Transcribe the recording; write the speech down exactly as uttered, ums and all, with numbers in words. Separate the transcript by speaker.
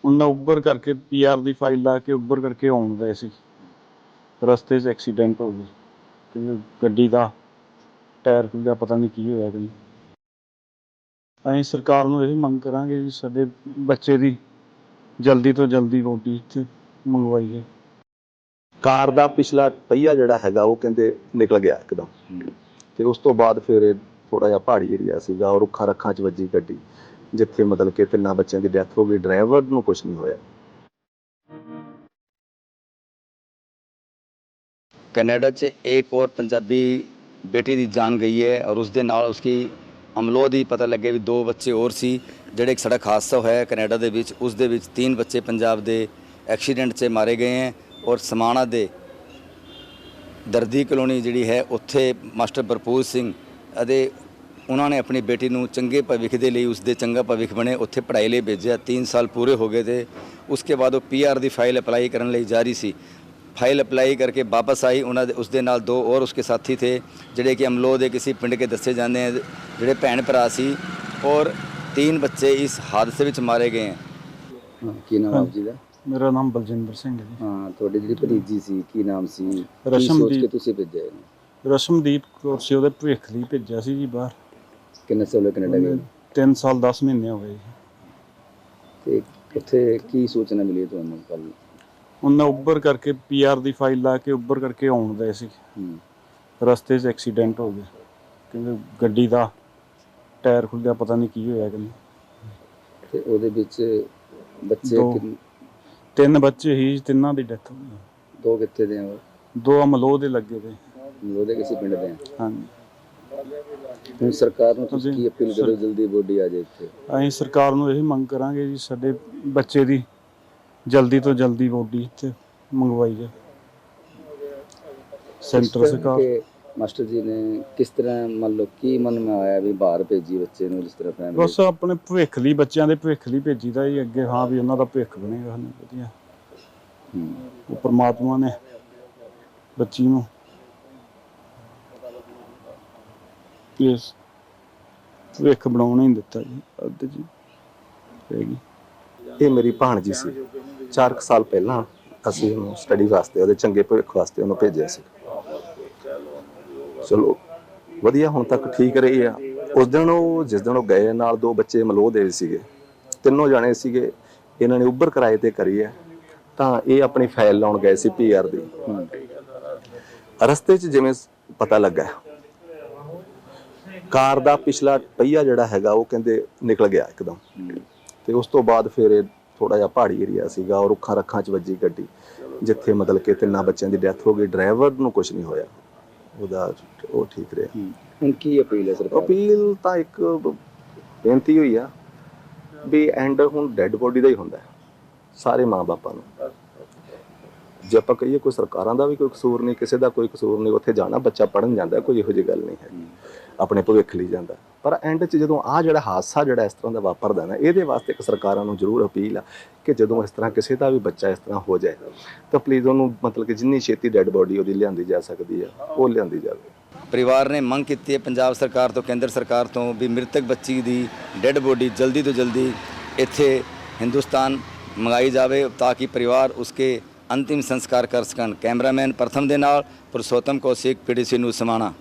Speaker 1: ਉਹਨਾਂ ਉੱਬਰ ਕਰਕੇ ਪੀ ਆਰ ਦੀ ਫਾਈਲ ਲਾ ਕੇ ਉੱਬਰ ਕਰਕੇ ਆਉਣ ਗਏ ਸੀ, ਰਸਤੇ 'ਚ ਐਕਸੀਡੈਂਟ ਹੋ ਗਿਆ ਤੇ ਗੱਡੀ ਦਾ ਟਾਇਰ ਖੁੱਲ੍ਹਿਆ, ਪਤਾ ਨਹੀਂ ਕੀ ਹੋਇਆ ਜੀ। ਅਸੀਂ ਸਰਕਾਰ ਨੂੰ ਇਹ ਮੰਗ ਕਰਾਂਗੇ ਵੀ ਸਾਡੇ ਬੱਚੇ ਦੀ ਜਲਦੀ ਤੋਂ ਜਲਦੀ ਬੋਡੀ ਇੱਥੇ ਮੰਗਵਾਈ ਜਾਏ।
Speaker 2: ਕਾਰ ਦਾ ਪਿਛਲਾ ਪਹੀਆ ਜਿਹੜਾ ਹੈਗਾ ਉਹ ਕਹਿੰਦੇ ਨਿਕਲ ਗਿਆ ਇੱਕਦਮ, ਤੇ ਉਸ ਤੋਂ ਬਾਅਦ ਫਿਰ ਇਹ ਥੋੜਾ ਜਿਹਾ ਪਹਾੜੀ ਏਰੀਆ ਸੀਗਾ ਔਰ ਰੁੱਖਾਂ ਰੱਖਾਂ 'ਚ ਵੱਜੀ ਗੱਡੀ, ਜਿੱਥੇ ਮਤਲਬ ਕਿ ਤਿੰਨਾਂ ਬੱਚਿਆਂ ਦੀ ਡੈਥ ਹੋ ਗਈ, ਡਰਾਈਵਰ ਨੂੰ ਕੁਝ ਨਹੀਂ ਹੋਇਆ।
Speaker 3: कनाडा च एक और पंजाबी बेटी ਦੀ जान गई है और ਉਸ ਦੇ ਨਾਲ ਉਸकी ਅਮਲੋ ਦੀ ਪਤਾ ਲੱਗੇ ਵੀ ਦੋ ਬੱਚੇ ਹੋਰ ਸੀ ਜਿਹੜੇ ਇੱਕ ਸੜਕ ਹਾਦਸਾ ਹੋਇਆ ਕੈਨੇਡਾ ਦੇ ਵਿੱਚ। ਉਸ ਦੇ ਵਿੱਚ तीन ਬੱਚੇ ਪੰਜਾਬ ਦੇ ਐਕਸੀਡੈਂਟ 'ਚ ਮਾਰੇ ਗਏ ਹੈ ਔਰ ਸਮਾਣਾ ਦੇ ਦਰਦੀ ਕਲੋਨੀ ਜਿਹੜੀ ਹੈ ਉੱਥੇ ਮਾਸਟਰ ਭਰਪੂਰ ਸਿੰਘ ਅਤੇ ਉਹਨਾਂ ਨੇ ਆਪਣੀ ਬੇਟੀ ਨੂੰ ਚੰਗੇ ਭਵਿੱਖ ਦੇ ਲਈ, ਉਸ ਦੇ ਚੰਗਾ ਭਵਿੱਖ ਬਣੇ, ਉੱਥੇ ਪੜ੍ਹਾਈ ਲਈ ਭੇਜਿਆ। तीन ਸਾਲ ਪੂਰੇ ਹੋ ਗਏ ਤੇ ਉਸਕੇ ਬਾਅਦ ਉਹ ਪੀ ਆਰ ਦੀ ਫਾਈਲ ਅਪਲਾਈ ਕਰਨ ਲਈ ਜਾ ਰਹੀ ਸੀ। फाइल अप्लाई करके वापस आई। उन्होंने उसके नाल दो और उसके साथी थे जिहड़े कि अमलो दे किसी पिंड के दसे जाते हैं, जिहड़े भैन भरा सी और तीन बच्चे इस हादसे में मारे गए हैं।
Speaker 4: ਕੀ ਨਾਮ ਆਪ ਜੀ ਦਾ?
Speaker 1: ਮੇਰਾ ਨਾਮ ਬਲਜਿੰਦਰ ਸਿੰਘ ਹੈ ਜੀ।
Speaker 4: ਹਾਂ, ਤੁਹਾਡੀ ਜਿਹੜੀ ਭਤੀਜੀ ਸੀ ਕੀ ਨਾਮ ਸੀ? ਕੀ
Speaker 1: ਰਸ਼ਮਦੀਪ।
Speaker 4: ਸੋਚ ਕੇ ਤੁਸੀਂ ਭੇਜਿਆ ਇਹਨੂੰ?
Speaker 1: ਰਸ਼ਮਦੀਪ ਕੌਰ ਸੀ, ਉਹਦੇ ਭਵਿੱਖ ਲਈ ਭੇਜਿਆ ਸੀ ਜੀ ਬਾਹਰ।
Speaker 4: ਕਿੰਨੇ ਸਾਲ ਹੋਏ ਕੈਨੇਡਾ ਗਏ?
Speaker 1: ਤਿੰਨ ਸਾਲ ਦਸ ਮਹੀਨੇ ਹੋ ਗਏ ਜੀ।
Speaker 4: ਤੇ ਉੱਥੇ ਕੀ ਸੂਚਨਾ ਮਿਲੀ ਤੁਹਾਨੂੰ ਕੱਲ?
Speaker 1: ਉਹਨਾਂ ਉੱਬਰ ਕਰਕੇ ਪੀ ਆਰ ਦੀ ਫਾਈਲ ਲਾ ਕੇ ਉੱਬਰ ਕਰਕੇ ਆਉਣ ਗਏ ਸੀ, ਰਸਤੇ 'ਚ ਐਕਸੀਡੈਂਟ ਹੋ ਗਿਆ ਕਿਉਂਕਿ ਗੱਡੀ ਦਾ ਟਾਇਰ ਖੁੱਲ੍ਹਿਆ, ਪਤਾ ਨਹੀਂ ਕੀ ਹੋਇਆ ਕਿ।
Speaker 4: ਤੇ ਉਹਦੇ ਵਿੱਚ ਬੱਚੇ
Speaker 1: ਦੋ-
Speaker 4: ਕਿੰਨ-
Speaker 1: ਤਿੰਨ ਬੱਚੇ ਹੀ, ਤਿੰਨਾਂ ਦੀ ਡੈਥ ਹੋ ਗਈ।
Speaker 4: ਦੋ ਕਿੱਥੇ ਦੇ ਆ ਉਹ?
Speaker 1: ਦੋ ਅਮਲੋਹ ਦੇ ਲੱਗੇ ਤੇ।
Speaker 4: ਉਹਦੇ ਕਿਸੇ ਪਿੰਡ ਦੇ ਆ?
Speaker 1: ਹਾਂਜੀ।
Speaker 4: ਹੁਣ ਸਰਕਾਰ ਨੂੰ ਤੁਸੀਂ
Speaker 1: ਤੁਸੀਂ-
Speaker 4: ਕੀ ਅਪੀਲ ਕਰੋ ਜਲਦੀ ਬੋਡੀ ਆ ਜਾਏ ਇੱਥੇ?
Speaker 1: ਅਸੀਂ ਸਰਕਾਰ ਨੂੰ ਇਹ ਮੰਗ ਕਰਾਂਗੇ ਜੀ ਸਾਡੇ ਬੱਚੇ ਦੀ ਜਲਦੀ ਤੋਂ ਜਲਦੀ ਬੋਡੀ ਇੱਥੇ ਮੰਗਵਾਈ ਜਾਏ। ਸੈਂਟਰ ਸਰਕਾਰ
Speaker 4: ਕਿ ਮਾਸਟਰ ਜੀ ਨੇ ਕਿਸ ਤਰ੍ਹਾਂ ਮੰਨ ਲਓ ਕੀ ਮਨ ਮੈਂ ਆਇਆ ਵੀ ਬਾਹਰ ਭੇਜੀ ਬੱਚੇ ਨੂੰ ਜਿਸ ਤਰ੍ਹਾਂ ਫੈਮਿਲੀ?
Speaker 1: ਬਸ ਆਪਣੇ ਭਵਿੱਖ ਲਈ, ਬੱਚਿਆਂ ਦੇ ਭਵਿੱਖ ਲਈ ਭੇਜੀਦਾ ਜੀ ਅੱਗੇ, ਹਾਂ ਵੀ ਉਹਨਾਂ ਦਾ ਭਵਿੱਖ ਬਣੇਗਾ ਵਧੀਆ। ਉਹ ਪਰਮਾਤਮਾ ਨੇ ਬੱਚੀ ਨੂੰ ਇਸ ਭਵਿੱਖ ਬਣਾਉਣਾ ਹੀ ਦਿੱਤਾ ਜੀ। ਅੱਧ ਜੀ ਹੈਗੀ।
Speaker 2: ਇਹ ਮੇਰੀ ਭਾਣਜੀ ਸੀ। ਚਾਰ ਕੁ ਸਾਲ ਪਹਿਲਾਂ ਅਸੀਂ ਉਹਨੂੰ ਸਟੱਡੀ ਵਾਸਤੇ, ਉਹਦੇ ਚੰਗੇ ਭਵਿੱਖ ਵਾਸਤੇ ਉਹਨੂੰ ਭੇਜਿਆ ਸੀ। ਚਲੋ ਵਧੀਆ, ਹੁਣ ਤੱਕ ਠੀਕ ਰਹੀ ਆ। ਉਸ ਦਿਨ ਉਹ ਜਿਸ ਦਿਨ ਉਹ ਗਏ, ਨਾਲ ਦੋ ਬੱਚੇ ਮਲੋਹ ਦੇ ਸੀਗੇ, ਤਿੰਨੋਂ ਜਾਣੇ ਸੀਗੇ। ਇਹਨਾਂ ਨੇ ਉੱਬਰ ਕਿਰਾਏ ਤੇ ਕਰੀ ਹੈ, ਤਾਂ ਇਹ ਆਪਣੀ ਫਾਈਲ ਲਾਉਣ ਗਏ ਸੀ ਪੀ ਆਰ ਦੀ। ਰਸਤੇ 'ਚ ਜਿਵੇਂ ਪਤਾ ਲੱਗਾ ਕਾਰ ਦਾ ਪਿਛਲਾ ਪਹੀਆ ਜਿਹੜਾ ਹੈਗਾ ਉਹ ਕਹਿੰਦੇ ਨਿਕਲ ਗਿਆ ਇੱਕਦਮ, ਤੇ ਉਸ ਤੋਂ ਬਾਅਦ ਫਿਰ ਇਹ ਥੋੜਾ ਜਿਹਾ ਪਹਾੜੀ ਏਰੀਆ ਸੀਗਾ ਔਰ ਰੁੱਖਾਂ ਰੱਖਾਂ 'ਚ ਵੱਜੀ ਗੱਡੀ, ਜਿੱਥੇ ਮਤਲਬ ਕਿ ਤਿੰਨਾਂ ਬੱਚਿਆਂ ਦੀ ਡੈਥ ਹੋ ਗਈ, ਡਰਾਈਵਰ ਨੂੰ ਕੁਝ ਨਹੀਂ ਹੋਇਆ, ਉਹਦਾ ਉਹ ਠੀਕ ਰਿਹਾ।
Speaker 4: ਹੁਣ ਕੀ ਅਪੀਲ ਹੈ ਸਰਕਾਰ?
Speaker 2: ਅਪੀਲ ਤਾਂ ਇੱਕ ਬੇਨਤੀ ਹੋਈ ਆ ਵੀ ਐਂਡ ਹੁਣ ਡੈੱਡ ਬੋਡੀ ਦਾ ਹੀ ਹੁੰਦਾ ਸਾਰੇ ਮਾਂ ਬਾਪਾਂ ਨੂੰ। ਜੇ ਆਪਾਂ ਕਹੀਏ ਕੋਈ ਸਰਕਾਰਾਂ ਦਾ ਵੀ ਕੋਈ ਕਸੂਰ ਨਹੀਂ, ਕਿਸੇ ਦਾ ਕੋਈ ਕਸੂਰ ਨਹੀਂ, ਉੱਥੇ ਜਾਣਾ ਬੱਚਾ ਪੜ੍ਹਨ ਜਾਂਦਾ, ਕੋਈ ਇਹੋ ਜਿਹੀ ਗੱਲ ਨਹੀਂ ਹੈ, ਆਪਣੇ ਭਵਿੱਖ ਲਈ ਜਾਂਦਾ। ਪਰ ਐਂਡ 'ਚ ਜਦੋਂ ਆਹ ਜਿਹੜਾ ਹਾਦਸਾ ਜਿਹੜਾ ਇਸ ਤਰ੍ਹਾਂ ਦਾ ਵਾਪਰਦਾ ਨਾ, ਇਹਦੇ ਵਾਸਤੇ ਇੱਕ ਸਰਕਾਰਾਂ ਨੂੰ ਜ਼ਰੂਰ ਅਪੀਲ ਆ ਕਿ ਜਦੋਂ ਇਸ ਤਰ੍ਹਾਂ ਕਿਸੇ ਦਾ ਵੀ ਬੱਚਾ ਇਸ ਤਰ੍ਹਾਂ ਹੋ ਜਾਏ ਤਾਂ ਪਲੀਜ਼ ਉਹਨੂੰ ਮਤਲਬ ਕਿ ਜਿੰਨੀ ਛੇਤੀ ਡੈੱਡ ਬੋਡੀ ਉਹਦੀ ਲਿਆਂਦੀ ਜਾ ਸਕਦੀ ਆ ਉਹ ਲਿਆਂਦੀ ਜਾਵੇ।
Speaker 3: ਪਰਿਵਾਰ ਨੇ ਮੰਗ ਕੀਤੀ ਹੈ ਪੰਜਾਬ ਸਰਕਾਰ ਤੋਂ, ਕੇਂਦਰ ਸਰਕਾਰ ਤੋਂ ਵੀ ਮ੍ਰਿਤਕ ਬੱਚੀ ਦੀ ਡੈੱਡ ਬੋਡੀ ਜਲਦੀ ਤੋਂ ਜਲਦੀ ਇੱਥੇ ਹਿੰਦੁਸਤਾਨ ਮੰਗਾਈ ਜਾਵੇ ਤਾਂ ਕਿ ਪਰਿਵਾਰ ਉਸਕੇ ਅੰਤਿਮ ਸੰਸਕਾਰ ਕਰ ਸਕਣ। ਕੈਮਰਾਮੈਨ ਪ੍ਰਥਮ ਦੇ ਨਾਲ Purshottam Kaushik, P T C news Samana.